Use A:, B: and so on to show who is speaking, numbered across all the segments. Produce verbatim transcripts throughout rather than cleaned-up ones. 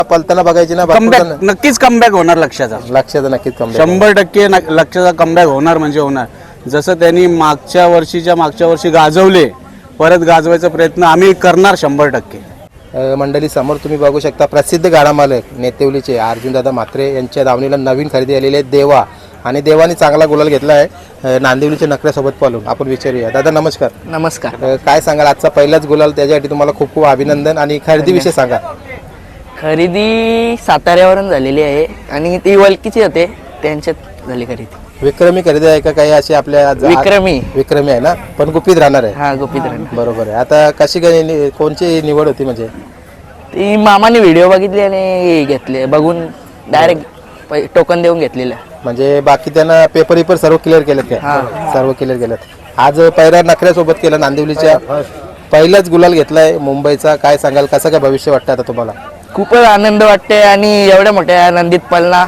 A: पलताना बघायची ना,
B: कमबॅक नक्कीच कमबॅक होणार लक्षाचा.
A: लक्षाचा नक्कीच कमबॅक
B: शंभर टक्के लक्षाचा कमबॅक होणार म्हणजे होणार. जसं त्यांनी मागच्या वर्षीच्या मागच्या वर्षी गाजवले, परत गाजवायचा प्रयत्न आम्ही करणार शंभर टक्के.
A: मंडळी समोर तुम्ही बघू शकता प्रसिद्ध गाडा मालक नेतेवलीचे अर्जुनदादा म्हात्रे यांच्या दावणीला नवीन खरेदी आलेले आहेत देवा, आणि देवाने चांगला गुलाल घेतला आहे नांदिवलीच्या नखऱ्यासोबत पालून. आपण विचारूया. दादा नमस्कार.
C: नमस्कार.
A: काय सांगाल आजचा पहिलाच गुलाल, त्याच्यासाठी तुम्हाला खूप खूप अभिनंदन. आणि खरेदीविषयी सांगा.
C: खरेदी साताऱ्यावरून झालेली आहे आणि ती वलकीची होते, त्यांच्यात झाली खरेदी.
A: विक्रमी खरेदी आहे का काही अशी आपल्या?
C: विक्रमी
A: विक्रमी आहे ना, पण गुपित राहणार आहे.
C: हा गुपित राहणार.
A: बरोबर आहे. आता कशी काय नि- कोणची निवड होती म्हणजे?
C: ती मामाने व्हिडिओ बघितली आणि घेतले, बघून डायरेक्ट टोकन देऊन घेतलेलं.
A: म्हणजे बाकी त्यांना पेपर पेपर सर्व क्लिअर केलेत का? सर्व क्लिअर केलेत. आज पहिल्या नखऱ्यासोबत केलं नांदिवलीच्या, पहिलाच गुलाल घेतलाय मुंबईचा. काय सांगाल, कसं काय भविष्य वाटतं आता तुम्हाला?
C: खूपच आनंद वाटते आणि एवढ्या मोठ्या आनंदीत पलना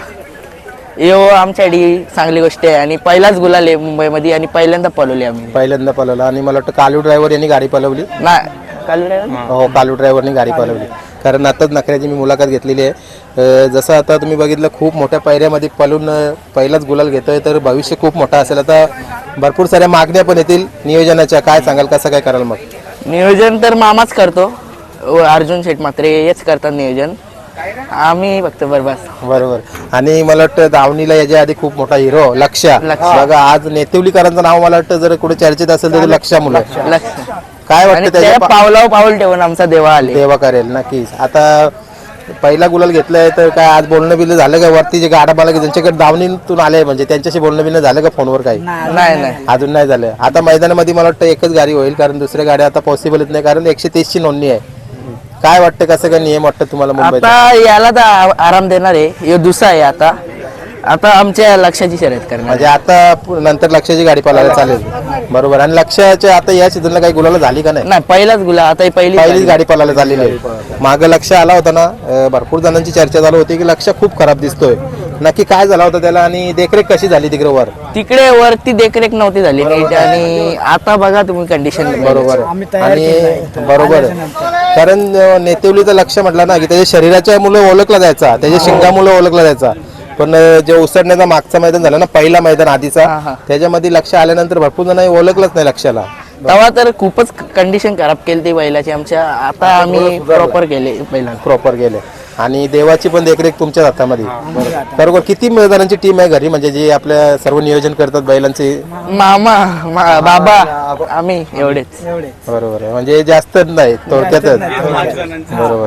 C: येऊ आमच्यासाठी चांगली गोष्ट आहे. आणि पहिलाच गुलाल आहे मुंबईमध्ये आणि पहिल्यांदा पळवली आम्ही.
A: पहिल्यांदा पळवलं. आणि मला वाटतं कालू ड्रायव्हर यांनी गाडी पळवली
C: ना. कालू ड्रायव्हर?
A: हो, कालू ड्रायव्हरनी गाडी पळवली. कारण आताच नखऱ्याची मी मुलाखत घेतलेली आहे. अं, जसं आता तुम्ही बघितलं खूप मोठ्या पायऱ्यामध्ये पळून अं, पहिलाच गुलाल घेतोय, तर भविष्य खूप मोठा असेल. आता भरपूर साऱ्या मागण्या पण येतील नियोजनाच्या. काय सांगाल, कसं काय कराल मग?
C: नियोजन तर मामाच करतो, अर्जुन शेठ म्हात्रे हेच करतात नियोजन, आम्ही फक्त बरबास.
A: बरोबर. आणि मला वाटतं दावणीला याच्या आधी खूप मोठा हिरो लक्ष बघा, आज नेतेवलीकरांचं नाव मला वाटतं जर कुठे चर्चेत असेल तर लक्ष मुलं.
C: लक्ष
A: काय वाटतं त्याच्या
C: पावलावर पाऊल ठेवून आमचा देवा आले.
A: देवा करेल नक्कीच. आता पहिला गुलाल घेतलाय, तर काय आज बोलणं बिलणं झालं का? वरती जे गाडा मला त्यांच्याकडे दावणीतून आले म्हणजे त्यांच्याशी बोलणं बिलणं झालं का फोनवर? काही
C: नाही नाही
A: अजून नाही झालं. आता मैदानामध्ये मला वाटतं एकच गाडी होईल, कारण दुसऱ्या गाड्या आता पॉसिबलच नाही, कारण एकशे तीस ची नोंदणी आहे. काय वाटतं, कसं काय नियम वाटतं तुम्हाला मुंबईत?
C: आता याला तर आ- आराम देणार आहे, हे दुसरा आहे. आता आता आमच्या लक्षाची शर्यत करणार.
A: म्हणजे आता पु- नंतर लक्षाची गाडी पळायला चालेल. बरोबर. आणि लक्षाच्या आता या सीझनला काही गुलाला झाली का नाही?
C: नाही पहिलाच गुला, आता ही पहिली
A: पहिलीच गाडी पळायला झालेली आहे. मागं लक्ष आला होता ना, अं, भरपूर जणांची चर्चा चालू होती की लक्ष खूप खराब दिसतोय. नक्की काय झाला होता त्याला, आणि देखरेख कशी झाली तिकडे वर?
C: तिकडे वरती देखरेख नव्हती झाली नीट, आणि आता बघा तुम्ही कंडिशन.
A: बरोबर आहे. आणि बरोबर आहे. कारण अं, नेतेवलीचं लक्ष म्हटलं ना की त्याच्या शरीराच्या मुलं ओळखला जायचा, त्याच्या शिंगामुळे ओळखला जायचा. पण अं, जे उसडण्याचा मागचा मैदान झालं ना, पहिला मैदान आधीचा, त्याच्यामध्ये लक्ष आल्यानंतर भरपूर जण ओळखलंच नाही लक्षाला.
C: तेव्हा तर खूपच कंडिशन खराब केली ती बैलाची आमच्या. आता आम्ही प्रॉपर केले बैलाला.
A: प्रॉपर गेले. आणि देवाची पण देखरेख तुमच्याच हातामध्ये. बरोबर. किती मैदानांची टीम आहे घरी, म्हणजे जे आपल्या सर्व नियोजन करतात बैलांचे?
C: मामा मा- बाबा आम्ही एवढेच.
A: बरोबर आहे. म्हणजे जास्त नाही, थोडक्यातच. बरोबर.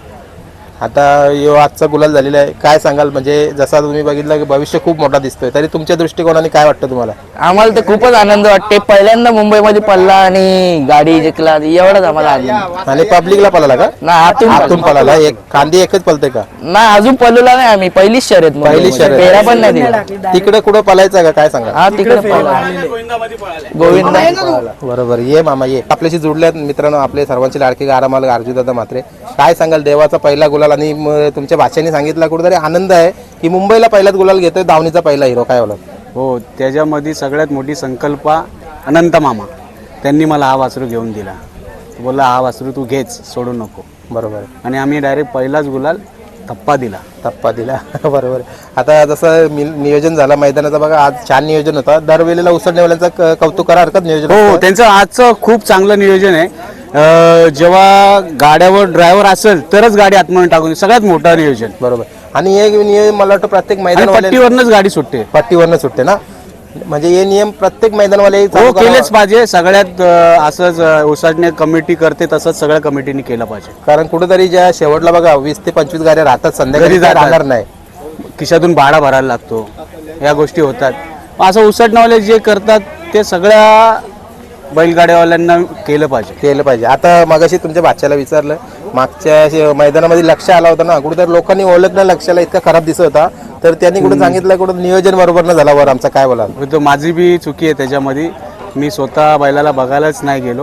A: आता यो आजचा गुलाल झालेला आहे. काय सांगाल, म्हणजे जसा तुम्ही बघितलं की भविष्य खूप मोठा दिसतोय, तरी तुमच्या दृष्टिकोनाने काय वाटतं तुम्हाला?
C: आम्हाला तर खूपच आनंद वाटते. पहिल्यांदा मुंबईमध्ये पडला आणि गाडी जिंकला, एवढाच आम्हाला आनंद.
A: आणि पब्लिकला पळाला का?
C: ना आतून
A: आतून पळाला. एक कांदी एकच पळते का?
C: ना अजून पळवला नाही आम्ही, पहिलीच शर्यत.
A: पहिली शर्यत.
C: पेरा पण नाही दिला.
A: तिकडे कुठं पळायचं का, काय सांगा?
C: हा तिकडे पळला गोविंद.
A: बरोबर. ये मामा ये. आपल्याशी जुडल्यात मित्रांनो आपले सर्वांचे लाडके गारामाल अर्जुनदादा म्हात्रे. काय सांगाल, देवाचा पहिला गुलाल, आणि म- तुमच्या भाषेने सांगितलं कुठेतरी आनंद आहे की मुंबईला पहिलाच गुलाल घेतोय, दावणीचा पहिला हिरो. काय बोला?
B: हो, त्याच्यामध्ये सगळ्यात मोठी संकल्पा अनंत मामा, त्यांनी मला हा वासरू घेऊन दिला. बोलला हा वासरू तू घेच, सोडू नको.
A: बरोबर.
B: आणि आम्ही डायरेक्ट पहिलाच गुलाल थप्पा दिला.
A: टप्पा दिला. बरोबर. आता जसं मी- नियोजन झालं मैदानाचा बघा, आज छान नियोजन होतं. दरवेळेला उसडण्यावाल्यांचं क- कौतुक करा हरकत नियोजन
B: हो,
A: होतं.
B: त्यांचं आजचं खूप चांगलं नियोजन आहे. अं, जेव्हा गाड्यावर ड्रायव्हर असेल तरच गाडी आतमध्ये टाकून, सगळ्यात मोठं नियोजन.
A: बरोबर. आणि हे नियम मला वाटतं प्रत्येक
B: आणि
A: मैदान
B: पट्टीवरनच गाडी सुटते.
A: पट्टीवरनं सुटते ना, म्हणजे हे नियम प्रत्येक मैदानवाले
B: हो,
A: चालू करावं.
B: केलेच पाहिजे. सगळ्यात अं, असंच उसाटणे कमिटी करते तसंच सगळ्या कमिटीने केलं पाहिजे.
A: कारण कुठेतरी ज्या शेवटला बघा वीस ते पंचवीस गाड्या राहतात, संध्याकाळी
B: घरी जातात.
A: राहणार नाही.
B: खिशातून भाडा भरायला लागतो, या गोष्टी होतात. असं उसटणावाले जे करतात ते सगळ्या बैलगाड्यावाल्यांना केलं पाहिजे.
A: केलं पाहिजे. आता मगाशी तुमच्या बाच्याला विचारलं, मागच्या शे- मैदानामध्ये लक्ष आला होता ना, कुठेतरी लोकांनी ओळखलं लक्षाला इतका खराब दिसत होता, तर त्यांनी कुठे सांगितलं कुठं नियोजन बरोबर न झाला वर आमचा. काय बोला?
B: तो माझी बी चुकी आहे त्याच्यामध्ये. मी स्वतः बैलाला बघायलाच नाही गेलो.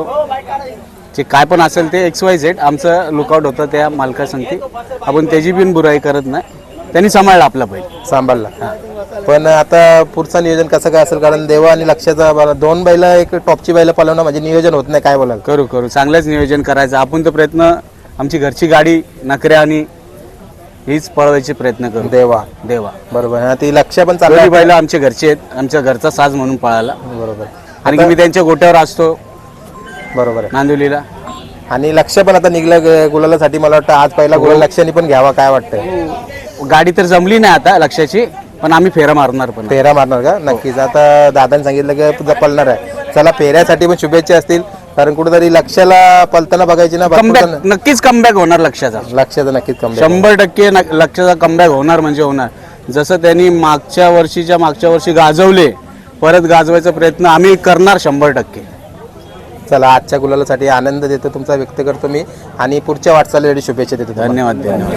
B: जे काय पण असेल ते एक्स वाय झेड आमचं लुकआउट होतं त्या मालका सांगते. आपण त्याची बिन बुराई करत नाही, त्यांनी सांभाळला आपला बैल.
A: सांभाळला. पण आता पुढचं नियोजन कसं काय असेल, कारण देवा आणि लक्षाचा बरं दोन बैल एक टॉपची बैल पळवणं म्हणजे नियोजन होत नाही. काय बोलाल?
B: करू करू चांगलंच नियोजन करायचं आपण. तर प्रयत्न, आमची घरची गाडी नखऱ्या आणि हीच पळवायचे प्रयत्न करू.
A: देवा
B: देवा
A: बरोबर हा, ती लक्ष पण
B: दोन्ही
A: चालली
B: बैल आमचे घरचे आहेत, आमच्या घरचा साज म्हणून पळाला.
A: बरोबर
B: आणि की मी त्यांच्या गोट्यावर असतो
A: बरोबर आहे.
B: नांदिवलीला.
A: आणि लक्ष पण आता निघलं ग- गुलालासाठी. मला वाटतं आज पहिला गुलाल लक्षाने पण घ्यावा, काय वाटतंय?
B: गाडी तर जमली नाही आता लक्षाची, पण आम्ही फेरा मारणार पण.
A: फेरा मारणार का? नक्कीच. आता दादाने सांगितलं की तुझा पळणार आहे. चला फेऱ्यासाठी पण शुभेच्छा असतील, कारण कुठेतरी लक्षाला पलताना बघायची ना. भरपूर
B: कमबॅक
A: जण-
B: नक्कीच कमबॅक होणार लक्षाचा.
A: लक्षाचं नक्कीच कमी
B: शंभर टक्के न- लक्षाचा कमबॅक होणार म्हणजे होणार. जसं त्यांनी मागच्या वर्षीच्या मागच्या वर्षी गाजवले, परत गाजवायचा प्रयत्न आम्ही करणार शंभर टक्के.
A: चला आजच्या गुलालासाठी आनंद देतो तुमचा व्यक्त करतो मी, आणि पुढच्या वाटचालीसाठी शुभेच्छा देतो तुम्हाला.
B: धन्यवाद धन्यवाद.